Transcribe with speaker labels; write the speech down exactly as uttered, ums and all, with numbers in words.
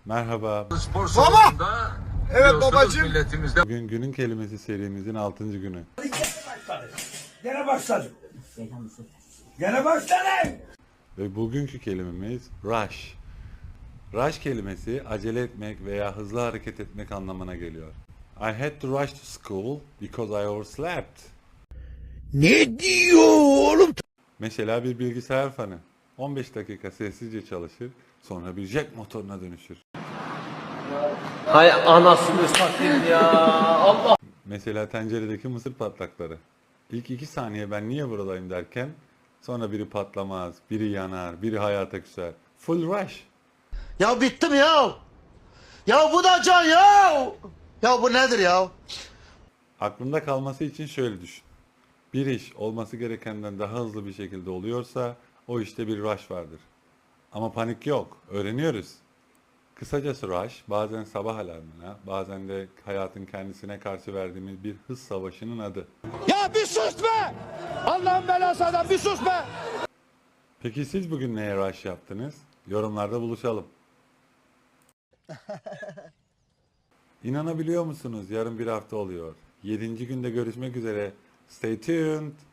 Speaker 1: Merhaba.
Speaker 2: Spor salonunda
Speaker 3: Evet babacığım.
Speaker 2: milletimizde
Speaker 1: Bugün günün kelimesi serimizin altıncı günü.
Speaker 3: Gene başladım. Gene başladım.
Speaker 1: Ve bugünkü kelimemiz rush. Rush kelimesi acele etmek veya hızlı hareket etmek anlamına geliyor. I had to rush to school because I overslept.
Speaker 3: Ne diyor oğlum?
Speaker 1: Mesela bir bilgisayar fanı on beş dakika sessizce çalışır, sonra bir jet motoruna dönüşür.
Speaker 4: Hay anasını satayım ya. Allah.
Speaker 1: Mesela tenceredeki mısır patlakları. İlk iki saniye ben niye buradayım derken sonra biri patlamaz, biri yanar, biri hayata küser. Full rush.
Speaker 5: Ya bittim ya. Ya bu da can ya. Ya bu nedir ya?
Speaker 1: Aklında kalması için şöyle düşün. Bir iş olması gerekenden daha hızlı bir şekilde oluyorsa o işte bir rush vardır. Ama panik yok. Öğreniyoruz. Kısacası rush bazen sabah alarmına, bazen de hayatın kendisine karşı verdiğimiz bir hız savaşının adı.
Speaker 5: Ya bir sus be. Allah'ın belası adam bir sus be.
Speaker 1: Peki siz bugün neye rush yaptınız? Yorumlarda buluşalım. İnanabiliyor musunuz? Yarın bir hafta oluyor. Yedinci günde görüşmek üzere. Stay tuned.